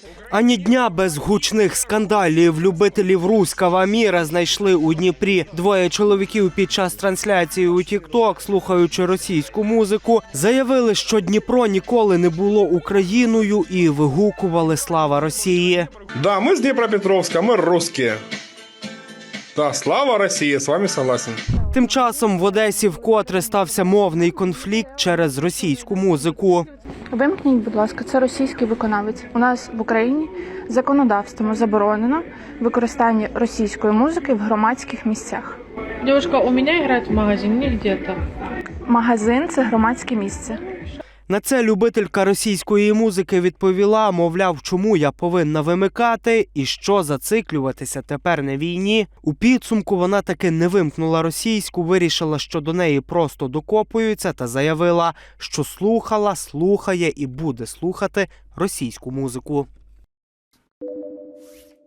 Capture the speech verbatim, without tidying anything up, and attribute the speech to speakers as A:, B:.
A: Ані дня без гучних скандалів. Любителів руського міра знайшли у Дніпрі. Двоє чоловіків під час трансляції у тік-ток, слухаючи російську музику, заявили, що Дніпро ніколи не було Україною і вигукували «Слава Росії».
B: Да, мы с Днепропетровска, мы русские. Да, слава России, с вами согласен.
A: Тим часом в Одесі вкотре стався мовний конфлікт через російську музику.
C: Вимкніть, будь ласка, це російський виконавець. У нас в Україні законодавством заборонено використання російської музики в громадських місцях.
D: Девушка, у меня играет в магазине где-то.
C: Магазин – це громадське місце.
A: На це любителька російської музики відповіла, мовляв, чому я повинна вимикати і що зациклюватися тепер на війні. У підсумку вона таки не вимкнула російську, вирішила, що до неї просто докопуються та заявила, що слухала, слухає і буде слухати російську музику.